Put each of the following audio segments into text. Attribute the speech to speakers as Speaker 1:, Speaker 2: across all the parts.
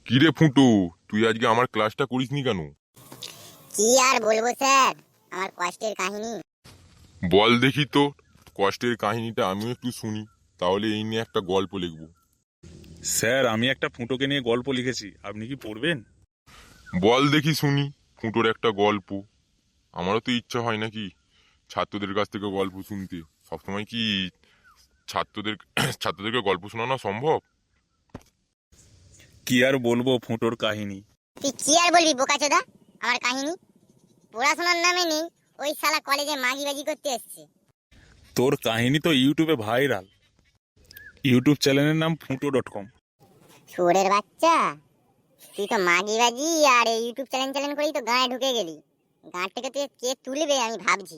Speaker 1: কিরে ফুটো, তুই আজকে আমার ক্লাসটা করিসনি কেন?
Speaker 2: কি আর বলবো স্যার, আমার কষ্টের কাহিনী।
Speaker 1: বল দেখি তো, কষ্টের কাহিনীটা আমিও একটু শুনি, তাহলে এই নিয়ে একটা গল্প লিখবো।
Speaker 3: স্যার, আমি একটা ফুটোকে নিয়ে গল্প লিখেছি, আপনি কি পড়বেন?
Speaker 1: বল দেখি শুনি, ফুটোর একটা গল্প। আমারও তো ইচ্ছা হয় নাকি ছাত্রদের কাছ থেকে গল্প শুনতে। সবসময় কি ছাত্রদের ছাত্রদেরকে গল্প শোনানো সম্ভব?
Speaker 3: কি আর বলবো ফুটোর কাহিনী।
Speaker 2: তুই কি আর বলবি বোকাচোদা, আমার কাহিনী? পড়াশোনার নামে নেই, ওই শালা কলেজে মাগিবাজি করতে এসছে।
Speaker 3: তোর কাহিনী তো ইউটিউবে ভাইরাল। ইউটিউব চ্যানেলের নাম futo.com।
Speaker 2: শুয়োরের বাচ্চা, তুই তো মাগিবাজি আর এই ইউটিউব চ্যানেল করেই তো গাঁয়ে ঢুকে গেলি। গাঁ থেকে তুই কে তুলবে আমি ভাবছি।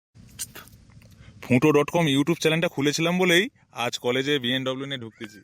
Speaker 3: futo.com ইউটিউব চ্যানেলটা খুলেছিলাম বলেই আজ কলেজে BMW নিয়ে ঢুকতেছি।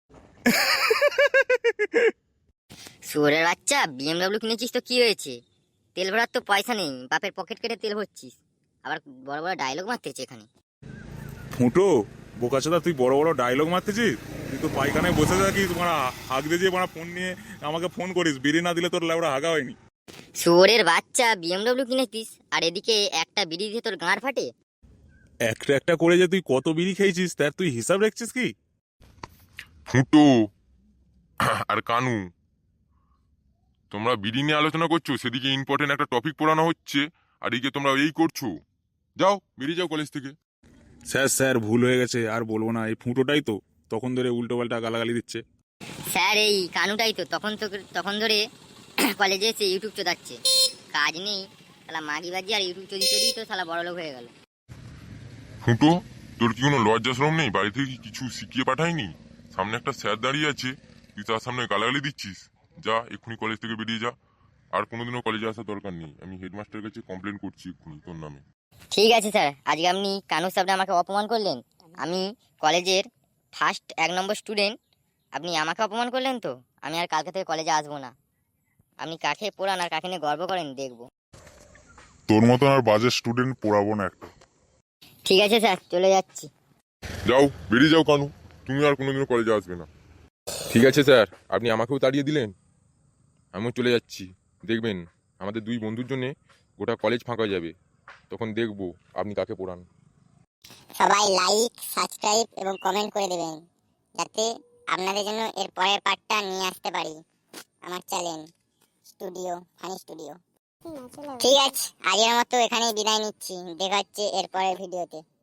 Speaker 4: শুয়োরের বাচ্চা, বিএমডব্লিউ কিনেছিস তো কি হয়েছে? তেল ভরার তো পয়সা নেই, বাপের পকেট কেটে তেল ভরছিস। আবার বড় বড় ডায়লগ মারতেছে এখানে।
Speaker 3: ফুটো বোকাচোদা, তুই বড় বড় ডায়লগ মারতেছিস? তুই তো পায়খানায় বসে থাকিস, মারা হাঁক দিয়ে যে মারা ফোন নিয়ে আমাকে ফোন করিস, বিড়ি না দিলে তোর লেবড়া হাগা হয়নি।
Speaker 4: শুয়োরের বাচ্চা, বিএমডব্লিউ কিনেছিস আর এদিকে একটা বিড়ি দিয়ে তোর গাঁড় ফাটে।
Speaker 3: একটা একটা করে যে তুই কত বিড়ি খেয়েছিস তার তুই হিসাব রাখছিস কি?
Speaker 1: ফুটো আর কানু, তোমরা বিড়ি নিয়ে আলোচনা করছো, সেদিকে ইম্পর্টেন্ট একটা টপিক পড়ানো হচ্ছে, আর এদিকে তোমরা এই করছো। যাও, বেরিয়ে যাও কলেজ থেকে।
Speaker 3: স্যার স্যার, ভুল হয়ে গেছে, আর বলবো না। এই ফুটোটাই তো তখন ধরে উল্টো পাল্টা গালাগালি দিচ্ছে।
Speaker 4: স্যার, এই কানুটাই তো তখন ধরে কলেজে এসে ইউটিউব চোদাচ্ছে। কাজ নেই, শালা মাগিবাজি আর ইউটিউব চোদি চোদি তো শালা বড় লোক হয়ে গেল।
Speaker 1: ফুটো, তোর কি কোনো লজ্জা শরম নেই? বাড়ি থেকে কি কিছু শিখিয়ে পাঠায়নি? সামনে একটা স্যার দাঁড়িয়ে আছে, তুই তার সামনে গালাগালি দিচ্ছিস। যা, এক্ষুনি কলেজ থেকে বেরিয়ে যা। আর কোনোদিনও কলেজে আসার দরকার নেই। আমি হেডমাস্টারের কাছে কমপ্লেন করছি এক্ষুনি তোর নামে।
Speaker 4: ঠিক আছে স্যার, আজকে আপনি কানু সাহেবরা আমাকে অপমান করলেন। আমি কলেজের ফার্স্ট 1 নম্বর স্টুডেন্ট, আপনি আমাকে অপমান করলেন তো আমি আর কালকে থেকে কলেজে আসবো না। আপনি কাকে পড়ান আর কাকে নিয়ে গর্ব করেন দেখবো।
Speaker 5: তোর মতন আর বাজে স্টুডেন্ট পড়াবো না একটা।
Speaker 4: ঠিক আছে স্যার, চলে যাচ্ছি।
Speaker 1: যাও, বেরিয়ে যাও কানু, তুমি আর কোনোদিনও কলেজে আসবে না। ঠিক আছে স্যার, আপনি আমাকেও তাড়িয়ে দিলেন, আমিও চলে যাচ্ছি। দেখবেন আমাদের দুই বন্ধুর জন্য গোটা কলেজ ফাঁকা হয়ে যাবে, তখন দেখবো আপনি কাকে পড়ান।
Speaker 2: সবাই লাইক, সাবস্ক্রাইব এবং কমেন্ট করে দেবেন, যাতে আপনাদের জন্য এর পরের পার্টটা নিয়ে আসতে পারি আমার চ্যানেল স্টুডিও ফানি স্টুডিও। ঠিক আছে, আজকের মতো এখানেই বিদায় নিচ্ছি। দেখা হচ্ছে এর পরের ভিডিওতে।